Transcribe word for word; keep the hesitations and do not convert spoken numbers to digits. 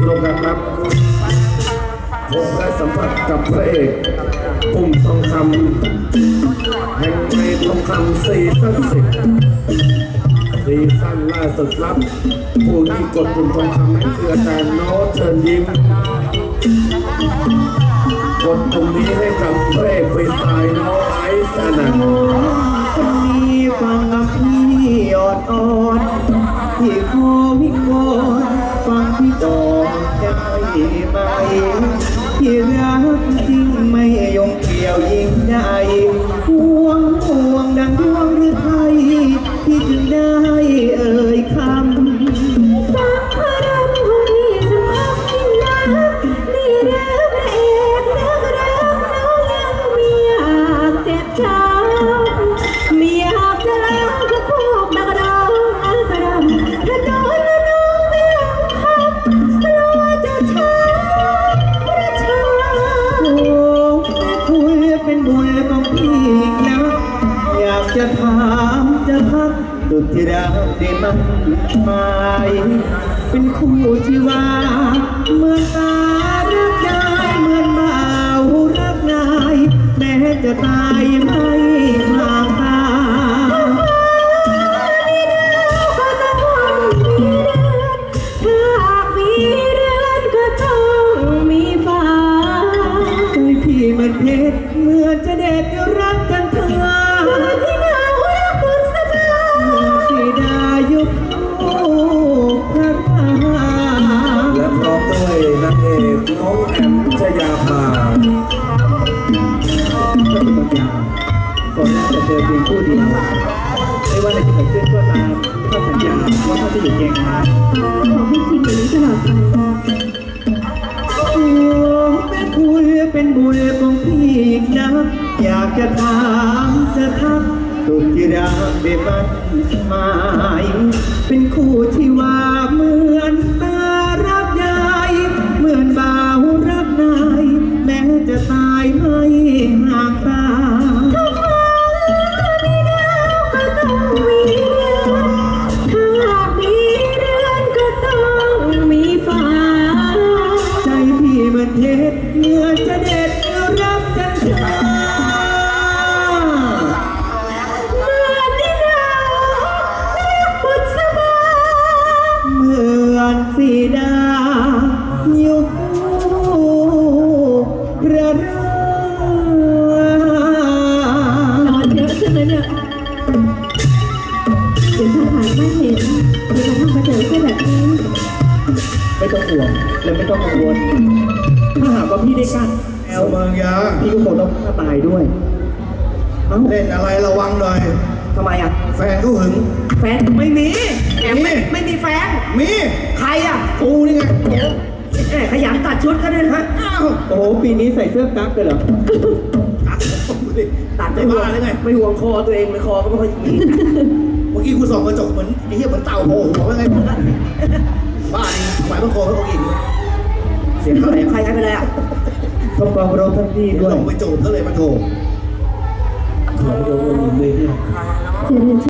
ลงกันครับผมได้สัมผัสกับพระเอกปุ่มทองคำแห่งเพลงทองคำซีซั่นสิบซีซั่นล่าสุดครับผู้ที่กดปุ่มทองคำนั้นคืออาจารย์โน้ตเชิญยิ้มกดปุ่มนี้ให้กับพระเอกฟรีสไตล์น้องไอซ์อนันต์คนนี้ฟังพี่อดอ่อนที่ขอวิงวอนฟังพี่ต่อได้ไหมที่รักจริงไม่ยงเกี่ยวยิ่งใดห่วงห่วงดังดวงหรือไทยที่จึงได้เอ่ยคำสังขารของพี่สมองยิ่งนักนี่เรื่องพระเอกนักรักน้องยังไม่อยากเจ็บช้ำไม่อยากจะเล่ากับพวกนักร้องอันตรายถ้าโดนแล้วน้องไม่ยอมคำกลัวจะช้ำประชาโอ้แม่คุณเป็นบุญของพี่นะอยากจะถามจะทักสุดที่รักได้มันหมายเป็นคู่ที่ว่าเมื่อตารักได้เหมือนเบารักนายแม้จะตายไม่ห่างตามันเพชรเมื่อจะเด็ดรักกันเถอะที่เงารักบุษบาสีดายุคโอ้พระราและพร้อมด้วยนางเอกน้องแอมชยาภาก็เป็นบางอย่างก่อนหน้าจะเจอเพียงผู้เดียวไม่ว่าอะไรจะเกิดขึ้นก็ตามก็สัญญาว่าเขาจะอยู่เคียงข้างขอให้จริงอย่างนี้ตลอดไปโอ้แม่คุณเป็นบุญของพี่นะอยากจะถามจะทักสุดที่รักได้มันหมายเป็นคู่ที่ว่าเหมือนตารับยายเหมือนบ่าวรับนายแม้จะตายไม่ห่างตาถ้าฟ้ามีดาวก็ต้องมีเดือนถ้าหากมีเดือนก็ต้องมีฟ้าใจพี่มันเพชรเมื่อจะเด็ดรักกันเถอะเมื่อที่เราเรียกบุษบาเหมือนสีดายุคพระรานอนเยอะใช่ไหมเนี่ยเดี๋ยวถ้าหากไม่เห็นจะมาทำกระเจิดแค่แบบนี้ไม่ต้องห่วงและไม่ต้องกังวลถ้าหากว่าพี่ได้กั้นแอลเมืองยาพี่ก็คงต้องฆ่าตายด้วยเล่นอะไรระวังหน่อยทำไมอ่ะแฟนก็หึงแฟนไม่มีแอมไม่ไม่มีแฟนมีใครอ่ะกูนี่ไงแหมขยันตัดชุดก็ได้นะโอ้โหปีนี้ใส่เสื้อกั๊กเลยเหรอตัดไม่ห่วงเลยไงไม่ห่วงคอตัวเองเลยคอก็ไม่ค่อยมีเมื่อกี้กูส่องกระจกเหมือนไอ้เหี้ยเหมือนเต่าโผล่หัวว่าไงบ้าดิหมายมันคอเขาเอาอีกเสียงอะไรใครใครไปแล้วต้องกองรบท่านพี่ด้วยหลงไปโจมก็เลยมาโทรขอโดนมือเนี่ย